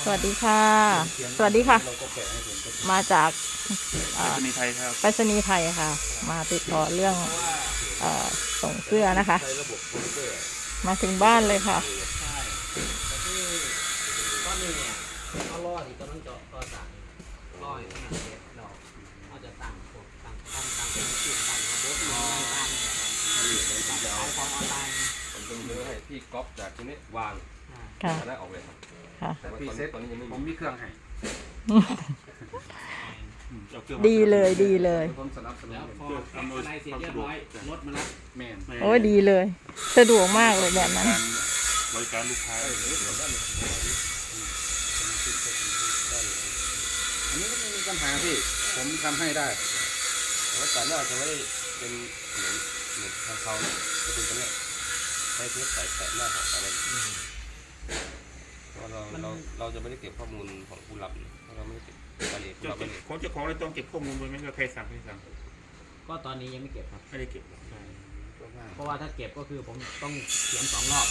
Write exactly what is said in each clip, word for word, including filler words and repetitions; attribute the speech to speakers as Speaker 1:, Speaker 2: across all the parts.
Speaker 1: สวัสดีค่ะสวัสดีค่ะมาจาก
Speaker 2: ไปรษณีย์ไทยครับ
Speaker 1: ไปรษณีย์ไทยค่ะมาติดต่อเรื่องเอ่อส่งเสื้อนะคะมาถึงบ้านเลยค่ะ
Speaker 3: ใช่แต่ที่ก้อนหนึ่งเนี่ยเอาล่อที่กำลังเจาะต่อสายล่อให้ขนาดเล็กเราเราจะตั้งพวกตั้งตั้งตั้งเป็นชื่อตั้งระบบตั้งตั้งตั้งขายของออนไลน์
Speaker 4: ผมจะมือให้พี่ก๊อปจากตรงนี้วาง
Speaker 1: ค่ะ
Speaker 4: จะได้ออกเลยครับ
Speaker 1: ค่ะ
Speaker 4: แต่ว่าตอนนี้ตอนนี้ยังไม่
Speaker 2: ผมมีเครื่องให้
Speaker 1: ดีเลยดีเลย
Speaker 4: ผมสนับสนุน
Speaker 3: แล้วพออะไรเสร็จเรียบร้อยรถมารับ
Speaker 2: แม่น
Speaker 1: โอ้ยดีเลย สะดวกมากเลยแบบนั้น
Speaker 2: การบริการลูกค้า
Speaker 4: อันนี้ก็ไม่มีปัญหาพี่ผมทำให้ได้แต่ว่าแต่หน้าจะไม่ได้เป็นเหมือนเหมือนทางเขาจะเป็นตัวเนี้ยให้เทปใส่แปะหน้าของอะไรเพราะเราเราเราจะไม่ได้เก็บข้อมูลของผู้รับเราไม่ได้เก็บรายละเอียดผู้
Speaker 2: เจ้า
Speaker 4: รับ
Speaker 2: เก็บ
Speaker 4: ไม่ได้
Speaker 2: ของเจ้าของเลยต้องเก็บข้อมูลไว้ไหมว่าใครสั่งใครสั่ง
Speaker 3: ก็ตอนนี้ยังไม่เก็บครับ
Speaker 2: ไม่ได้เก็บหรอก
Speaker 3: เพราะว่าถ้าเก็บก็คือผมต้องเขียนสองรอบ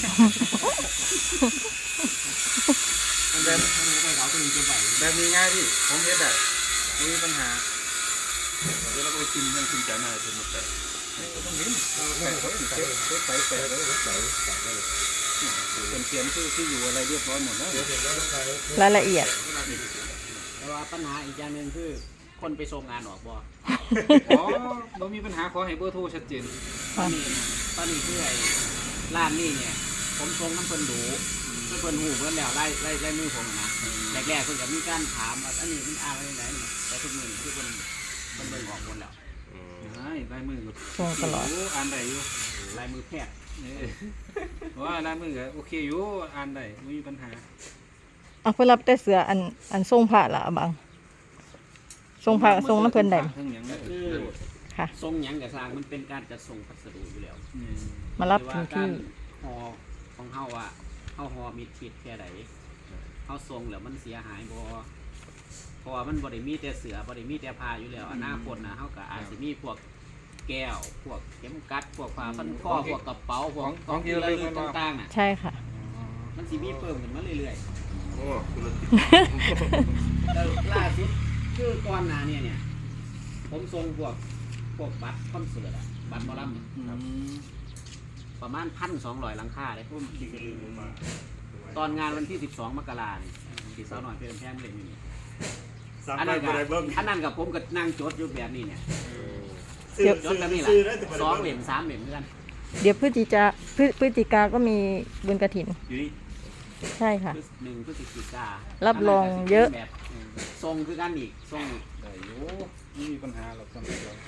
Speaker 3: มันเดินมันไปเขาตัวนึงจะไหว
Speaker 4: แบบนี้ง่ายพี่ผมเฮ็ดได้ไม่มีปัญหา
Speaker 2: เดี๋ยวเราก็ไปชิมยังชิมจ่ายหน้าจนหมดแต่
Speaker 4: ต้องเห็นแปะไว้เก็บเก็บใส่แปะไว้ใส่ใส่ไว้เลยเป็นเขียนชื่อที่อยู่อะไรเรียบร้อยหมดแล้ว
Speaker 1: รายละเอียด
Speaker 3: แต่ว่าปัญหาอีกอย่างหนึ่งคือคนไปส่งงานออกบ่
Speaker 4: อ๋อเรามีปัญหาขอให้เบอร์โทรชัดเจน
Speaker 3: ตอนนี้นะตอนนี้คือไอ้ร้านนี่เนี่ยผมส่งน้ำเพิ่นดูเพิ่นเพิ่นหูเพิ่นแล้วไล่ไล่ไล่มือผมอะนะแรกๆเพิ่นก็มีการถามว่าอันนี้มันอ่านอะไรไหนนี่แต่ทุกมื้อนี่คือเพิ่นเพิ่นเบิ่งออกหมดแล้ว
Speaker 4: ใช่ลายมือ
Speaker 1: ส่งตลอด
Speaker 4: อ่านได้อยู่
Speaker 3: ลายมือแพทย์
Speaker 4: ว่าลายมือก็โอเคอยู่อ่านได้ไม่มีปัญหา
Speaker 1: เอาเพื่อรับแต่เสืออันอันทรงผ้าละอะบังทรงผ้าทรงน้ำเพลินได้
Speaker 4: ทั้งอย่างนั้น
Speaker 3: คือ
Speaker 1: ค่ะ
Speaker 3: ส่งหยังกับสร้างมันเป็นการจัดส่งพัสดุอยู่แล้ว
Speaker 1: มารับ
Speaker 3: หอ
Speaker 1: ถึ
Speaker 3: ว่าง กา
Speaker 1: ที่
Speaker 3: รห่อของเฮาว่าเฮาห่อมีทิศแค่ใดเฮาส่งแล้วมันเสียหายบ่เพราะว่ามันบ่ได้มีแต่เสือบ่ได้มีแต่ผ้าอยู่แล้วอนาคตนะเฮาก็อาจสิมีพวกแก้วพวกเข็มกัดพวกผ้าพันคอพวกกระเป๋าพวกของที่ระลึกต่างๆน่ะ
Speaker 1: ใช่ค่ะ
Speaker 3: มันสิมีเพิ่มขึ้นมาเรื่อย
Speaker 2: โอ้ธุรกิจ
Speaker 3: ๆแล้วล่าสุดคือก่อนหน้าเนี่ยเนี่ยผมส่งพวกพวกบัตรคอนเสิร์ตอะบัตรหมอลำเนี่ยประมาณพันสองร้อยหลังคาเลยพุ่มตอนงานวันที่สิบสองมกราเนี่ยที่สาวหน่อยเพื่อนแพงเล่นอยู่นี่อันนั้นกับอันนั้นกับผมก็นั่งจดอยู่แบบนี้เนี่ย
Speaker 1: เดี๋ยว
Speaker 3: จดแบบนี้แหละสองเหลี่ยมสามเหลี่ยมเพื่อน
Speaker 1: เดี๋ยวพฤศจิกาพฤพฤศจิกาก็มีบุญกฐิน
Speaker 2: อยู่นี่
Speaker 1: ใช่ค่ะ
Speaker 3: หนึ่งพฤศจิกา
Speaker 1: รั
Speaker 3: รั
Speaker 1: บรองเยอะ
Speaker 3: แบบทรงคือกันอีกทรง
Speaker 4: ได้อยู่ไม่มีปัญหาหรอกสำหรับเรา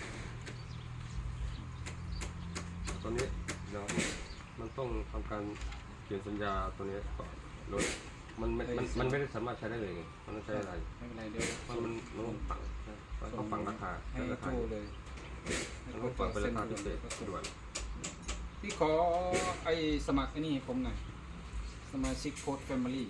Speaker 4: ตอนนี้เดี๋ยวมันต้องทำการเขียนสัญญาตัวนี้ก่อนโดยมันมันมันมันไม่ได้สามารถใช้ได้เลยไงมันต้องใช้อะไร
Speaker 5: ไม่เป็นไรเดี๋ยว
Speaker 4: มันมันมันต้องฝังมันต้องฝังราคา
Speaker 5: ให้
Speaker 4: รา
Speaker 5: โท
Speaker 4: คาร
Speaker 5: เลย
Speaker 4: มันต้องฝังเป็นราคาพิเศษด่วน
Speaker 5: พี่ขอไอ้สมัครไอ้นี่ให้ผมหน่อยสมาชิกโค้ดแฟมิลี่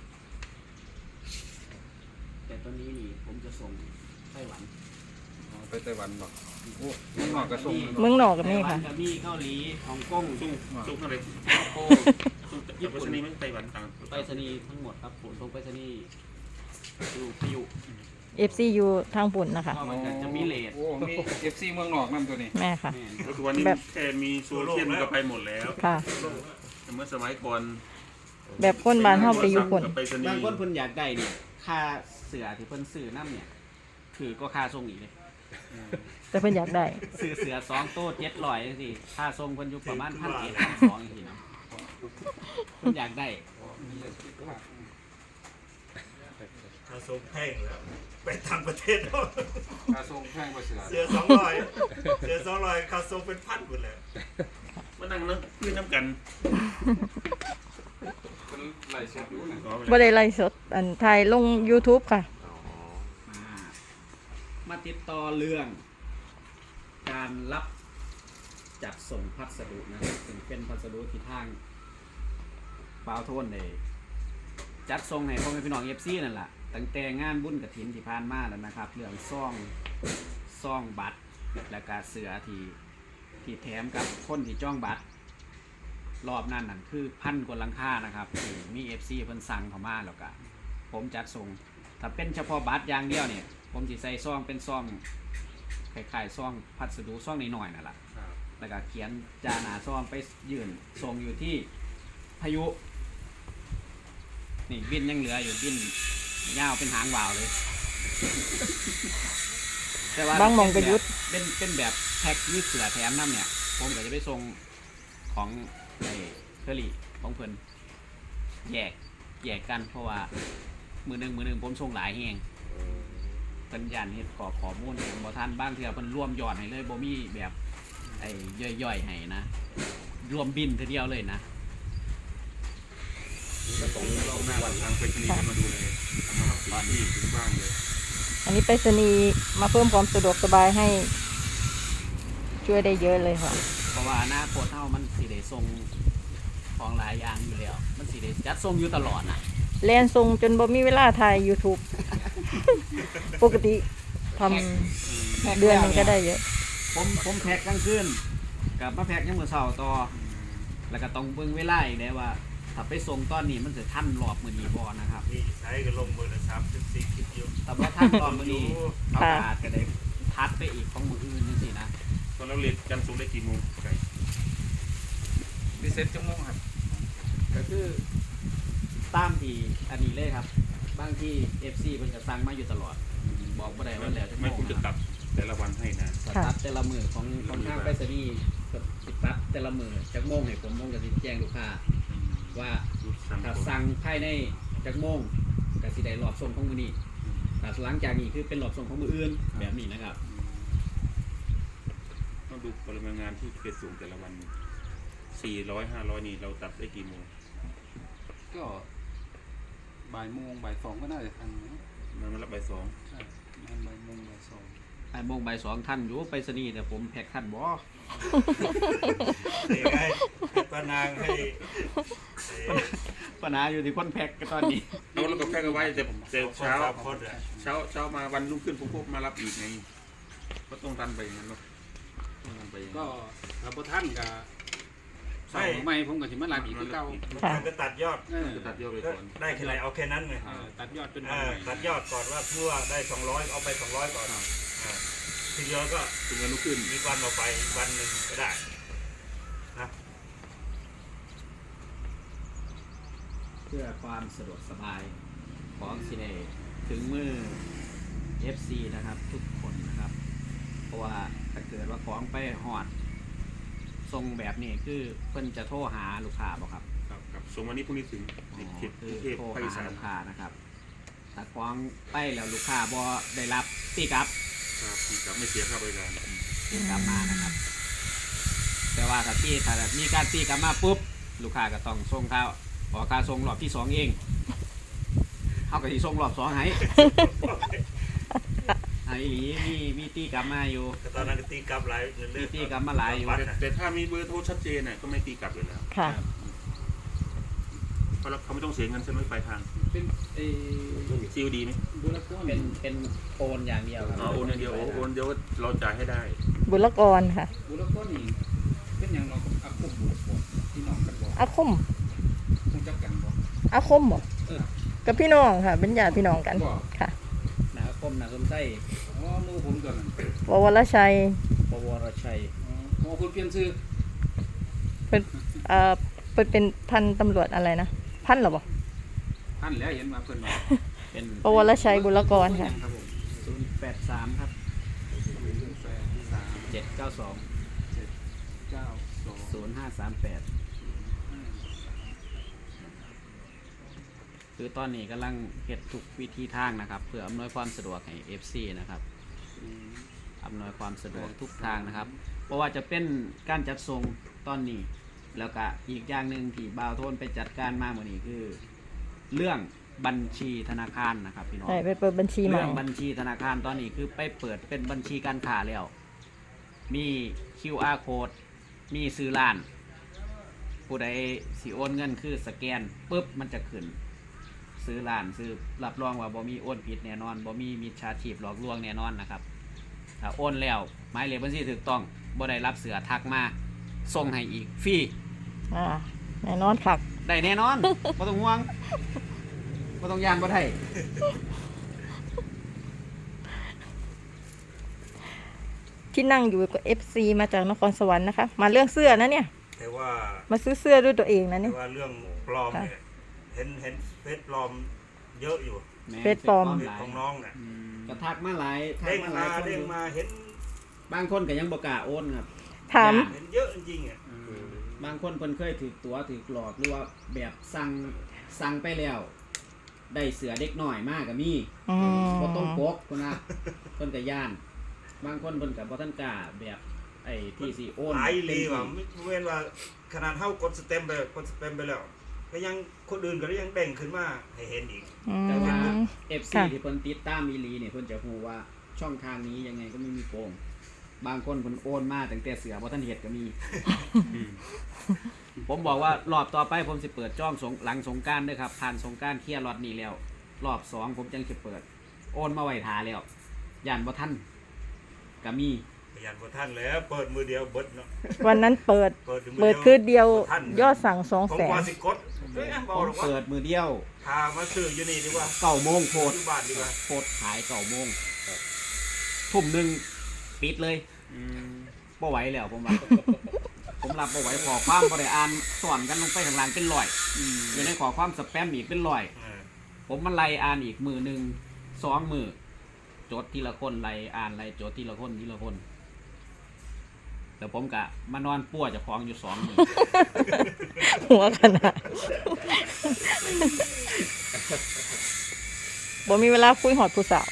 Speaker 3: แต่ตัวนี้นี่ผมจะส่งไต้หวัน
Speaker 5: ไปไต้หวันบอกโอ้มันเหมาะกับส่ง
Speaker 1: เมืองหนอกกับนี่
Speaker 3: ไต้หวั
Speaker 1: ค่ะ
Speaker 3: กับมีเกาหลีฮ่องกง
Speaker 2: สู้สู้เท่าไหร่
Speaker 3: สิงคโปร์
Speaker 2: สู้ญี่ปุ่นนี่ไม่ไต้หวันต่าง
Speaker 3: ไปรษณีย์ทั้งหมดครับผมส่งไปรษณีย์อยู่พยุ
Speaker 1: เอฟซียูทางปุ่นนะคะ
Speaker 3: ก็มันก็จะมีเลท
Speaker 5: โอ้มีเอฟซีเมืองนอกนั่นตัวนี้
Speaker 1: แม่ค่ะ
Speaker 3: แม่น
Speaker 2: ก็คือวันนี้
Speaker 1: แบบ
Speaker 2: แค่มีโซเชียลมันก็ไปหมดแล้ว
Speaker 1: ค่ะ
Speaker 2: แต่เมื่อสมัยก่อน
Speaker 1: แบบคนบ้านเฮาไปอยู่ปุ่น
Speaker 2: กับไปรษณี
Speaker 3: บาง
Speaker 2: ย์
Speaker 3: คนเพิ่นอยากได้เนี่ยค่าเสือที่เพิ่นซื้อน้ำเนี่ยคือก็ค่าส่งอีกเลย
Speaker 1: แต่เพิ่นอยากได้
Speaker 3: ซื้อเสือสองโต๊ะเจ็ดร้อยจังซี่ค่าส่งเพิ่นอยู่ประมาณพันเอ็ดพันสองจังซี่เนาะเพิ่นอยากได้
Speaker 6: ค่าส่งแพงแล้วไปต่างประเทศแล้ว
Speaker 4: ค่าส่งแพงกว่าเสือ
Speaker 6: เสียสองร้อยเสียสองร้อยค่าส่งเป็นพันหมดเลย
Speaker 2: มานั่งนั่งคุยน้ำกัน
Speaker 4: เป็นไหลเสียอยู่นะ
Speaker 2: อ๋อไม่
Speaker 1: บ่
Speaker 2: ได้
Speaker 1: ได้ไลฟ์สดอันถ่ายลง YouTube ค่ะ
Speaker 3: มามาติดต่อเรื่อง การรับจัดส่งพัสดุนะครับซึ่งเป็นพัสดุที่ทางปาวโทนเลยจัดส่งให้พ่อแม่พี่น้องเอฟซีนั่นแหละตั้งแต่งานบุญกฐินที่ผ่านมาแล้วนะครับ เรื่องซ่องซ่องบัตรและการเสือที่ที่แถมกับคนที่จ้องบัตร รอบนั้นนั่นคือพันกว่าหลังคานะครับที่มีเอฟซีเพิ่นสั่งเข้ามาแล้วก็ผมจัดส่งถ้าเป็นเฉพาะบัตรอย่างเดียวเนี่ยผมสิใส่ซองเป็นซองคล้ายๆซองพัสดุซองน้อยๆนั่นแหละ
Speaker 4: ครับ
Speaker 3: แล้วก็เขียนจาหนาซองไปยื่นส่งอยู่ที่พายุนี่บินยังเหลืออยู่บินยาวเป็นหางวาวเลยแต่ว่า
Speaker 1: บางหม่องก็หยุด
Speaker 3: เป็นเป็นแบบแพ็คยืดเสือแถมน้ำเนี่ยผมก็จะไปส่งของไอ้เคอรี่ของเพิ่นแยกแยกกันเพราะว่ามือหนึ่งมือหนึ่งผมส่งหลายแหงเพิ่นยันเฮ็ดขอข้อมูลบ่ทันบ้างเทื่อเพิ่นรวมยอดให้เลยบ่มีแบบไอ้ย่อยๆให้นะรวมบินทีเดียวเลยนะ
Speaker 4: ก็ส่ง
Speaker 2: รอบหน้าวันทางไปรษณีย์จะมาดูเลยทำมารับถึงที่ถึงบ้านเลย
Speaker 1: อันนี้ไปรษณีย์มาเพิ่มความสะดวกสบายให้ ช่วยได้เยอะเลยค่ะ
Speaker 3: เพราะว่าอนาคตเฮามันสิได้ส่งของหลายอย่างอยู่แล้ว มันสิได้จัดส่งอยู่ตลอดน่ะ
Speaker 1: แลนทรงจนบ่มีเวลาถ่าย YouTube ปกติทำเดือนหนึงก็ได้เยอะ
Speaker 3: ผมผมแพ็กกลางคืนกลับมาแพ็กยามมื้อเช้าต่อแล้วก็ต้องเบิ่งเวลาอีกได้ว่าถ้าไปส่งตอนนี้มันจะทันรอบมื้อนี้บ่นะครับ
Speaker 6: นี่ใช้ก็ลงมือละสามสิบสี่คลิปอยู่
Speaker 3: แต่ว่าทันรอบมื้อนี้เขาก็อาจจะได้ทัดไปอีกของมื้ออื่นจังซี่นะ
Speaker 2: ตอนเราเรียนจันทร์ศุกร์ได้กี่โมงไก่
Speaker 5: พิเศษจังมงครับ
Speaker 3: ก็คือตามที่อันนี้เลยครับบางที่ เอฟ ซี เพิ่นก็สั่งมาอยู่ตลอดบอกบ่ได้ว่าแล้วจะ
Speaker 2: ไม่คุณจะตัดแต่ละวันให้นะ
Speaker 3: สตัดแต่ละมือของของทางไปรษณีย์ก็สิตัดแต่ละมือจักโมงให้ผมโมงก็สิแจ้งลูกค้าว่า
Speaker 2: ดูสั่ง
Speaker 3: ถ้า
Speaker 2: ก่อน
Speaker 3: สั่งภายในจักโมงก็สิได้รอบส่งของมื้อนี้แต่หลังจากนี้คือเป็นรอบส่งของมื้ออื่นแบบนี้นะครับ
Speaker 2: ต้องดูปริมาณงานที่เกิดสูงแต่ละวันสี่ร้อยห้าร้อยนี่เราตัดได้กี่โมง
Speaker 5: ก็บ่ายโมงบ่ายสองก็น่าจะทันนะ
Speaker 2: มันมารับบ่ายสอง
Speaker 5: ใช่บ่ายโมงบ่ายสอง
Speaker 3: ไอ้โมงบ่ายสองท่านอยู่ไปรษณีย์แต่ผมแพ็คท่านบ่
Speaker 6: เด็กให้ปานางให้เอ่อ
Speaker 3: ปัญหาอยู่ที่คนแพ็คก็ตอนนี้
Speaker 2: เอาแล้วก็แพ็กเอาไว้แต่แต่
Speaker 6: สอง
Speaker 2: เช้า
Speaker 6: สามคนอะ
Speaker 2: เช้าเช้ามาวันรุ่งขึ้นผมก็มารับอีกไงก็ต้องทันไปอย่างนั้นเนาะต้องทันไปอย่าง
Speaker 5: ก็
Speaker 2: นั้น
Speaker 5: ถ้าบ่ทันก็ใส่ใหม่ผมก็สิมารับอีกคือเก่า
Speaker 1: ค่ะ
Speaker 6: มันก็ตัดยอด
Speaker 5: เออ
Speaker 2: จะตัดยอดไป
Speaker 6: ก็
Speaker 2: ก่อน
Speaker 6: ได้แค่ไหนเอาแค่นั้นไง
Speaker 5: เออตัดยอดเป็น
Speaker 6: เอ
Speaker 5: วัน
Speaker 6: อ
Speaker 5: ใหม่
Speaker 6: ตัดยอดก่อนว่าเพื่อได้สองร้อยเอาไปสองร้อยก่อนอ่าทีเดียวก็
Speaker 2: ถึงวันรุ่งขึ้น
Speaker 6: มีวันออกไปอีกวันหนึ่งก็ได้นะ
Speaker 3: เพื่อความสะดวกสบายของสิเนถึงมือ เอฟ ซี นะครับทุกคนนะครับ เพราะว่าถ้าเกิดว่าของไปหอดทรงแบบนี้คือเพิ่นจะโทรหาลูกค้าบ่ครับ
Speaker 2: ครับครับส่งวันนี้พรุ่งนี้ถึง
Speaker 3: อ๋อ
Speaker 2: เขตก
Speaker 3: คื
Speaker 2: รุ
Speaker 3: อง
Speaker 2: เทพ
Speaker 3: โทร
Speaker 2: ภาคอี
Speaker 3: หา
Speaker 2: สาน
Speaker 3: ลูกค้านะครับถ้าของไปแล้วลูกค้าบ่ได้รับตีกลับ
Speaker 2: ครับที่ครับไม่เสียค่าบริการ
Speaker 3: ตีกลับมานะครับ แต่ว่าถ้าตีถ้ามีการตีกลับมาปุ๊บลูกค้าก็ต้องส่งค่าขอค่าส่งรอบที่สองเองเขาก็สิส่งรอบสองให้ ไอ้หลีมีมีตีกลับมาอยู่
Speaker 6: ก็ตอนนั้นก็ตีกลับหลายเรื่
Speaker 3: มี
Speaker 6: อยๆ
Speaker 3: ตีกลับมาหลายอยู่
Speaker 2: แต่แต่ถ้ามีเบอร์โทรชัดเจนน่ะก็ไม่ตีกลับเลยแล้ว
Speaker 1: ค่ะ
Speaker 2: เพราะเขาไม่ต้องเสียเงินใช่ไหมปลายทาง
Speaker 5: เป็นเอ
Speaker 2: ซีดีไหม
Speaker 5: บุรกร
Speaker 3: เป็นเป็นโอนอย่างเดียวครับ
Speaker 2: อ๋อโอนอย่างเดียวโอนโอนเดียวเราจ่ายให้ได้
Speaker 1: บุรกรค่ะ
Speaker 5: บุรกรนี่เป็นอย่างเราอาคมบุรกรที่น้องกันบ่
Speaker 1: อาคม
Speaker 5: คงจักกันบ่
Speaker 1: อาคมบ่กับพี่น้องค่ะ เป็นญาติพี่น้องกัน
Speaker 5: บ่
Speaker 1: ค่ะ
Speaker 3: นาคมนาสมไส้
Speaker 5: อ๋อหมู่ผมตัวนั้น
Speaker 1: ววรชัย
Speaker 3: ปวรชัย
Speaker 5: อ๋อหมู่คุณเปลี่ยนชื่อ
Speaker 1: เป็นเอ่อเป็นเป็นพันตำรวจอะไรนะ พันเหรอบ่
Speaker 5: ท่านแล้วเห็นมาเพิ่นว่า
Speaker 3: เป็น
Speaker 1: ปวรชัยบุรกรค่ะ
Speaker 5: ครับผม
Speaker 3: ศูนย์แปดสามครับ
Speaker 5: แปดสาม
Speaker 3: เจ็ดเก้าสอง
Speaker 5: เจ็ดเก้าสอง
Speaker 3: ศูนย์ห้าสามแปดคือตอนนี้กำลังเฮ็ดทุกวิธีทางนะครับ เพื่ออำนวยความสะดวกให้ เอฟ ซี นะครับ
Speaker 5: อืม
Speaker 3: อำนวยความสะดวกทุกทางนะครับ เพราะว่าจะเป็นการจัดส่งตอนนี้ แล้วก็อีกอย่างหนึ่งที่บ่าวโทนไปจัดการมาเมื่อนี้คือ เรื่องบัญชีธนาคารนะครับพี่น้อง
Speaker 1: ใช่ไปเปิดบัญชีใหม่
Speaker 3: เรื่องบัญชีธนาคารตอนนี้คือไปเปิดเป็นบัญชีการค้าแล้ว มี คิว อาร์ code มีซื้อร้าน ผู้ใดสิโอนเงินคือสแกนปุ๊บมันจะขึ้น ซื้อร้านซื้อรับรองว่าบ่มีโอนผิดแน่นอนบ่มีมิจฉาชีพหลอกลวงแน่นอนนะครับ ถ้าโอนแล้วหมายเลขบัญชีถูกต้องบ่ได้รับเสือทักมาส่งให้อีกฟรี
Speaker 1: อ่าแน่นอนค่ะ
Speaker 3: ได้แน่นอน บ่ต้องห่วงบ่ต้องย่านบ่ได้
Speaker 1: ที่นั่งอยู่กับ เอฟ ซี มาจากนครสวรรค์นะคะ มาเรื่องเสื้อนะเนี่ย
Speaker 6: แต่ว่า
Speaker 1: มาซื้อเสื้อด้วยตัวเองนะ
Speaker 6: แต่
Speaker 1: เนี่ย
Speaker 6: ว่าเรื่องปลอมเนี่ยเห็นเห็นเฟซปลอมเยอะอยู่
Speaker 3: แม่
Speaker 1: เฟซปลอม
Speaker 6: เฟซของน้องน่ะ
Speaker 3: อืมก็ทักมาหลายทัก
Speaker 6: เด้ง
Speaker 3: มาหลาม
Speaker 6: าย
Speaker 3: คนอ
Speaker 6: เด้ง
Speaker 3: ยู่
Speaker 6: มาเห็น
Speaker 3: บางคนก็ยังบ่กล้าโอนครับ
Speaker 1: ถาม
Speaker 3: ย่น
Speaker 6: เห็นเยอะจริงๆอ่ะ
Speaker 3: อืมบางคนเพิ่นเคยถือตัวถือหลอกหรือว่าแบบสั่งสั่งไปแล้ว ได้เสือเด็กหน่อยมากก็มี
Speaker 1: อืม
Speaker 3: บ่ต้องปกคนนะเพิ่นก็ย่าน บางคนเพิ่นก็บ่ทันกล้าแบบไอ้ที่สิโอน
Speaker 6: หลาย
Speaker 3: เต็
Speaker 6: ลี
Speaker 3: มที่
Speaker 6: ว่ะไม่เว้นว่าขนาดเฮากดสเต็มไปกดสเต็มไปแล้วก็ยังคนอื่นก็ยังเด้งขึ้นมาให้เห็นอีก
Speaker 1: อืม
Speaker 3: แต่ว่า เอฟ ซี
Speaker 1: ค่ะ
Speaker 3: ที่เพิ่นติดตามอีหลีเนี่ยเพิ่นจะฮู้ว่าช่องทางนี้ยังไงก็ไม่มีโกง บางคนเพิ่นโอนมาตั้งแต่เสือบ่ทันเฮ็ดก็มี ผมบอกว่ารอบต่อไปผมสิเปิดจ้องสงหลังสงกรานต์เด้อครับผ่านสงกรานต์เคลียร์ล็อตนี้แล้ว รอบสองผมจังสิเปิด โอนมาไว้ท่าแล้วย่านบ่ทันก็มี
Speaker 6: พยานบ่ท่านแล้วเปิดมือเดียวเบิดเนาะ
Speaker 1: วันนั้นเปิด
Speaker 6: เปิดมื
Speaker 1: เปิด
Speaker 6: ยว
Speaker 1: คืนเดียว
Speaker 6: บ่ทัน
Speaker 1: ยอดสั่งสอง
Speaker 6: ผม
Speaker 1: แสน
Speaker 6: ว่าสิกดเฮ้ยบ
Speaker 3: ผ
Speaker 6: อก
Speaker 3: ม
Speaker 6: หรอกว่า
Speaker 3: เปิดมือเดียว
Speaker 6: พามาซื้ออยู่นี่ดีกว่า
Speaker 3: เก้าโมงโพด
Speaker 6: อยู่บ้านดีกว่า
Speaker 3: โพดขายเก้าโมงทุ่มหนึงปิดเลยบ่ไหวแล้วผมว่า ผมรับบ่ไหวขอความบ่ได้อ่านสอนกันลงไปข้างล่างเป็นร้อยอยู่ในขอความสแปมอีกเป็นร้อย
Speaker 6: เออ
Speaker 3: ผมมันไล่อ่านอีกมือหนึ่งสองมือจดทีละคนไล่อ่านไล่จดทีละคนทีละคนแต่ผมกะมานอนป่วยจากของอยู่สองมือ
Speaker 1: หัวขนาดบ่มีเวลาคุยหอดผู้สาว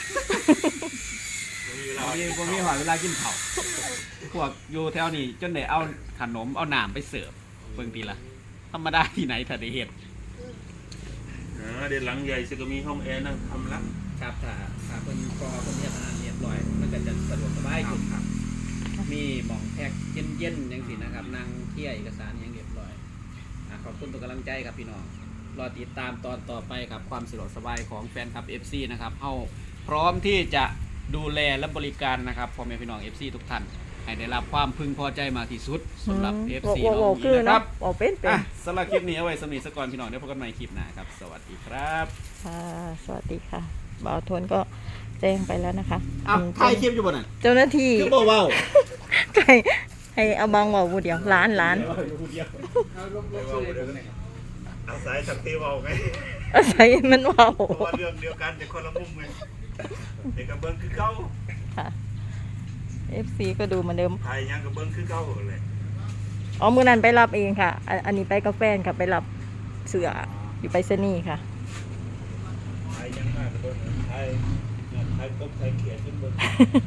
Speaker 6: มีเวลา
Speaker 3: ผมมีผมมีหอยเวลากินข้าวพวกอยู่แถวนี้จนได้เอาขนมเอาหนามไปเสิร์ฟเบิ่งทีละธรรมดาที่ไหนถ้าได้เห็ด
Speaker 2: เออเดี๋ยวหลังใหญ่จะก็มีห้องแอร์นั่งทำละ
Speaker 3: ครับถ้าถ้าเพิ่นพอเพิ่นเฮ็ดอาหารเรียบร้อยมันก็จะสะดวกสบายขึ้นครับ มีหม่องแพ็กเย็นๆจังซี่นะครับนั่งเที่ยเอกสารอยังเรียบร้อยอ่ะขอบคุณทุกกำลังใจครับพี่น้องรอติดตามตอนต่อไปครับความสะดวกสบายของแฟนคลับ เอฟ ซี นะครับเฮาพร้อมที่จะดูแลและบริการนะครับพ่อแม่พี่น้อง เอฟ ซี ทุกท่านให้ได้รับความพึงพอใจมากที่สุดสำหรับ เอฟ ซี
Speaker 1: โอ้
Speaker 3: น้
Speaker 1: โห
Speaker 3: อง
Speaker 1: คื
Speaker 3: นี้
Speaker 1: อ
Speaker 3: นะค
Speaker 1: เนาะ
Speaker 3: รับ
Speaker 1: โอ้เป็นเป็น
Speaker 3: อ่ะสำหรับคลิปนี้เอาไว้สำหรับสกอนพี่น้องเดี๋ยวพบกันใหม่คลิปหน้าครับสวัสดีครับ
Speaker 1: ค่ะสวัสดีค่ะบ่าวทนก็แจ้งไปแล้วนะคะ
Speaker 3: อ้าว
Speaker 1: อืม
Speaker 3: ถ่ายคลิปอยู่บนนั้น
Speaker 1: เจ้าหน้าที่
Speaker 3: คือบ่เว้า
Speaker 1: ให้ให้เอาบางว่าผู้เดียวล้านล้าน
Speaker 5: เอาลบลบชื่อเลยผมเนี่ย
Speaker 6: เอาสายสักทีเอาไง
Speaker 1: อาศัยมันเว่า
Speaker 6: เพราะว่าเรื่องเดียวกันแต่คนละมุมไงเด็กกับเบิ้งคือเก้า
Speaker 1: ค่ะ เอฟ ซี ก็ดูเหมือนเดิม
Speaker 6: ไทยยังกับเบิ้งคือเก้าเลย
Speaker 1: อ๋อมือนั้นไปรับเองค่ะอันอันนี้ไปกับแฟนค่ะไปรับเสืออยู่ไปรษณีย์ค่ะ
Speaker 6: ไทยยังมากกับเบิ้งไทยไทยกบไทยเขียนขึ้นเบิ้ง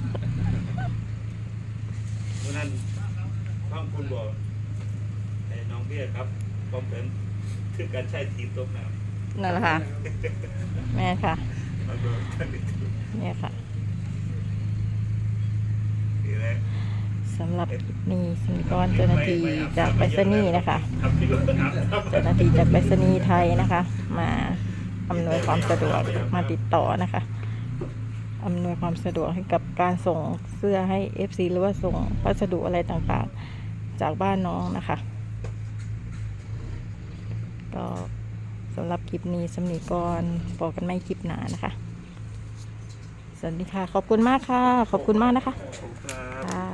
Speaker 6: เพราะนั้นข้างคุณบอกไอ้น้องเบี้ยครับผมเป็นคือการใช้ทีมตบน้ำ
Speaker 1: นั่นแหละค่ะ แม่ค่ะ
Speaker 6: มาเบิ้งกันดิ
Speaker 1: เนี่ยค่ะ
Speaker 6: ดีเลย
Speaker 1: สำหรับคลิปนี้สมิกรเจ้าหน้าที่จากไปรษณีย์นะคะ
Speaker 6: ทำที่รถน้ำครับ
Speaker 1: เจ้าหน้าที่จากไปรษณีย์ไทยนะคะ มาอำนวยความสะดวกมาติดต่อนะคะอำนวยความสะดวกให้กับการส่งเสื้อให้ เอฟ ซี หรือว่าส่งพัสดุอะไรต่างๆ จากบ้านน้องนะคะ ก็สำหรับคลิปนี้สมิกรบอกกันไม่คลิปหนานะคะ สวัสดีค่ะ ขอบคุณมากค่ะ ขอบคุณมากนะคะ
Speaker 6: ผมครับ
Speaker 1: ค่ะ